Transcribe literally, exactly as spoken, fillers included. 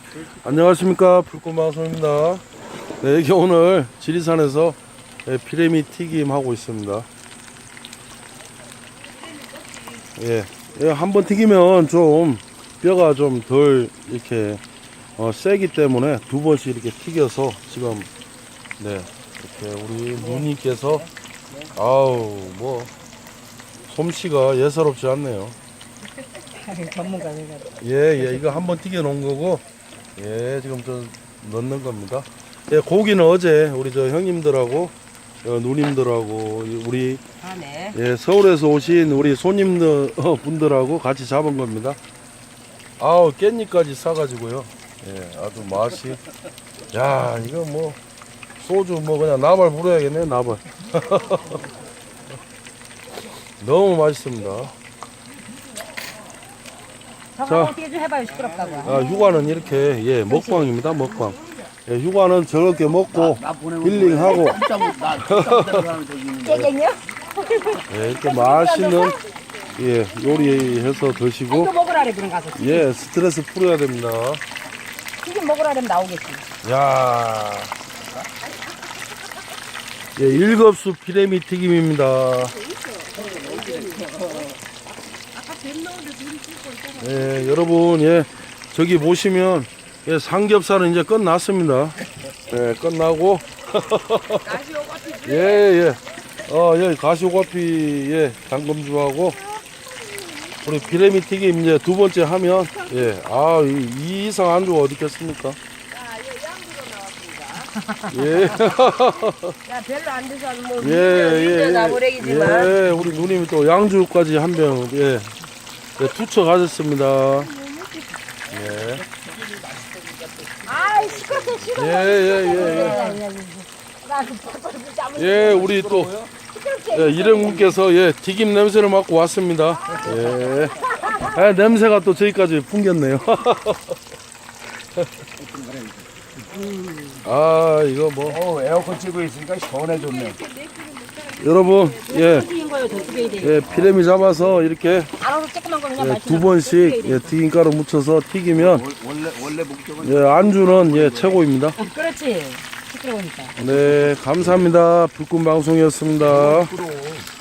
안녕하십니까, 불꽃방송입니다. 네, 여기 오늘 지리산에서 피레미 튀김 하고 있습니다. 예, 예, 한번 튀기면 좀 뼈가 좀 덜 이렇게 어, 세기 때문에 두 번씩 이렇게 튀겨서 지금 네, 이렇게 우리 누님께서 아우 뭐 솜씨가 예사롭지 않네요. 전문가가. 예, 예, 이거 한번 튀겨 놓은 거고, 예, 지금 좀 넣는 겁니다. 예, 고기는 어제 우리 저 형님들하고 어, 누님들하고 우리 아, 네. 예, 서울에서 오신 우리 손님들 어, 분들하고 같이 잡은 겁니다. 아우 깻잎까지 싸가지고요. 예, 아주 맛이. 야, 이거 뭐 소주 뭐 그냥 나발 부려야겠네, 나발. 너무 맛있습니다. 저거 어떻게 좀 해봐요, 시끄럽다고. 아, 휴가는 이렇게 예 먹방입니다, 먹방. 예, 휴가는 저렇게 먹고 힐링하고 깨갱이요? 예, 이렇게 맛있는 예 요리해서 드시고 이거 먹으라래 그런 가서. 예 스트레스 풀어야 됩니다. 튀김 먹으라면 나오겠지. 야, 예 일급수 피레미 튀김입니다. 예, 여러분, 예, 저기 보시면, 예, 삼겹살은 이제 끝났습니다. 예, 끝나고. 예, 예. 어, 여기 가시오과피, 예, 당금주하고, 우리 비레미 튀김 이제 두 번째 하면, 예, 아, 이, 이 이상 안주가 어디 있겠습니까? 예. 야, 별로 안 드셔도 뭐, 예, 예, 예. 나무래기지만. 예, 우리 누님이 또 양주까지 한 병, 예, 예 투척 하셨습니다. 예. 아이, 시끄럽게 시끄럽게. 예, 예, 예, 예. 예, 우리 또, 예, 일행분께서, 예, 튀김 냄새를 맡고 왔습니다. 예. 예, 냄새가 또 저기까지 풍겼네요. 아, 이거 뭐. 어, 에어컨 찌고 있으니까 시원해졌네. 여러분, 예, 튀긴 거요, 더 튀겨야 돼. 예, 피레미 잡아서 이렇게 알아서 조그만 거 그냥 예, 마시면 두 번씩 예, 튀김가루 묻혀서 튀기면 원래 원래 목적은 예, 안주는 예, 최고입니다. 그렇지. 시끄러우니까. 네, 감사합니다. 불꽃방송이었습니다. 프로.